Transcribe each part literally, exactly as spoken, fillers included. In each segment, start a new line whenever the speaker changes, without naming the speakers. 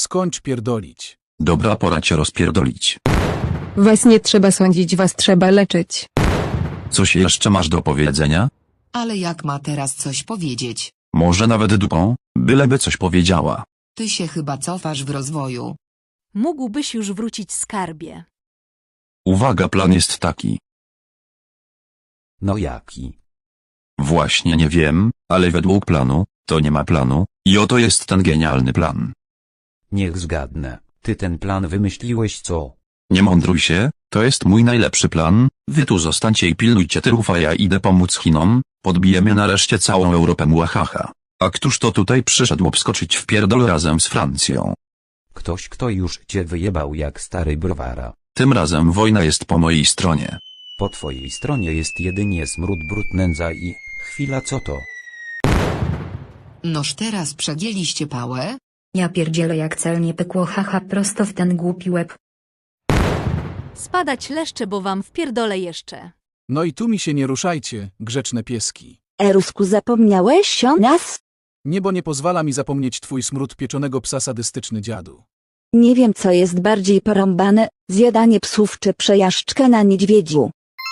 skończ pierdolić.
Dobra, pora cię rozpierdolić.
Was nie trzeba sądzić, was trzeba leczyć.
Coś jeszcze masz do powiedzenia?
Ale jak ma teraz coś powiedzieć?
Może nawet dupą, byleby coś powiedziała.
Ty się chyba cofasz w rozwoju.
Mógłbyś już wrócić, skarbie.
Uwaga, plan jest taki.
No jaki?
Właśnie nie wiem, ale według planu, to nie ma planu, i oto jest ten genialny plan.
Niech zgadnę, ty ten plan wymyśliłeś, co?
Nie mądruj się, to jest mój najlepszy plan, wy tu zostańcie i pilnujcie tyłów, a ja idę pomóc Chinom, podbijemy nareszcie całą Europę, muahaha. A któż to tutaj przyszedł obskoczyć w pierdol razem z Francją?
Ktoś, kto już cię wyjebał jak stary browara.
Tym razem wojna jest po mojej stronie.
Po twojej stronie jest jedynie smród, brud, nędza i... Chwila, co to?
Noż teraz przegięliście pałę?
Ja pierdzielę, jak celnie pykło, haha, prosto w ten głupi łeb.
Spadać leszcze, bo wam wpierdolę jeszcze.
No i tu mi się nie ruszajcie, grzeczne pieski.
Erusku, zapomniałeś o nas?
Niebo nie pozwala mi zapomnieć twój smród pieczonego psa, sadystyczny dziadu.
Nie wiem, co jest bardziej porąbane, zjadanie psów czy przejażdżka na niedźwiedziu.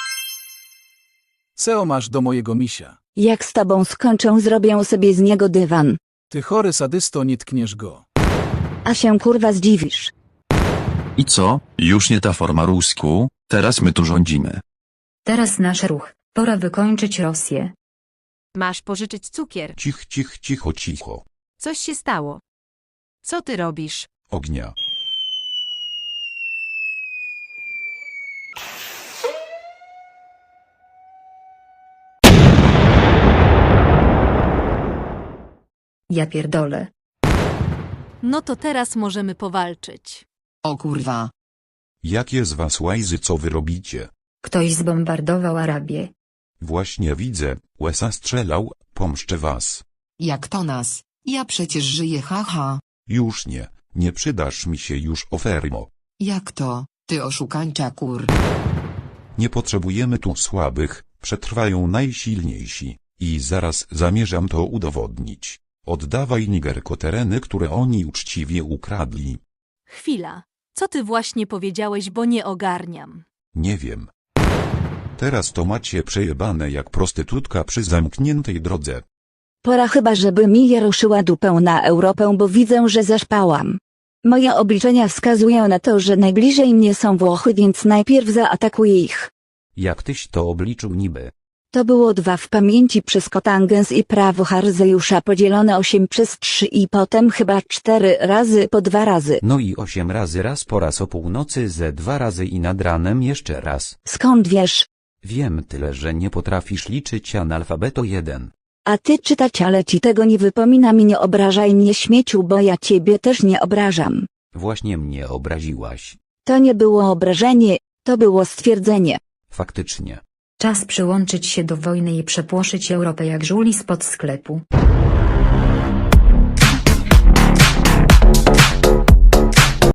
Seo masz do mojego misia.
Jak z tobą skończę, zrobię sobie z niego dywan.
Ty chory sadysto, nie tkniesz go.
A się kurwa zdziwisz.
I co, już nie ta forma rusku, teraz my tu rządzimy.
Teraz nasz ruch. Pora wykończyć Rosję.
Masz pożyczyć cukier.
Cich, cich, cicho, cicho.
Coś się stało. Co ty robisz?
Ognia.
Ja pierdolę.
No to teraz możemy powalczyć.
O kurwa.
Jakie z was łajzy, co wy robicie?
Ktoś zbombardował Arabię.
Właśnie widzę, łesa strzelał, pomszczę was.
Jak to nas? Ja przecież żyję, haha.
Już nie, nie przydasz mi się już, ofermo.
Jak to, ty oszukańcza kur?
Nie potrzebujemy tu słabych, przetrwają najsilniejsi. I zaraz zamierzam to udowodnić. Oddawaj Nigerko tereny, które oni uczciwie ukradli.
Chwila. Co ty właśnie powiedziałeś, bo nie ogarniam.
Nie wiem. Teraz to macie przejebane jak prostytutka przy zamkniętej drodze.
Pora chyba, żeby mi je ruszyła dupę na Europę, bo widzę, że zaszpałam. Moje obliczenia wskazują na to, że najbliżej mnie są Włochy, więc najpierw zaatakuję ich.
Jak tyś to obliczył niby?
To było dwa w pamięci przez kotangens i prawo Harzejusza podzielone osiem przez trzy i potem chyba cztery razy po dwa razy.
No i osiem razy raz po raz o północy ze dwa razy i nad ranem jeszcze raz.
Skąd wiesz?
Wiem tyle, że nie potrafisz liczyć, analfabeto jeden.
A ty czytać, ale ci tego nie wypomina mi, nie obrażaj mnie, śmieciu, bo ja ciebie też nie obrażam.
Właśnie mnie obraziłaś.
To nie było obrażenie, to było stwierdzenie.
Faktycznie.
Czas przyłączyć się do wojny i przepłoszyć Europę jak żuli spod sklepu.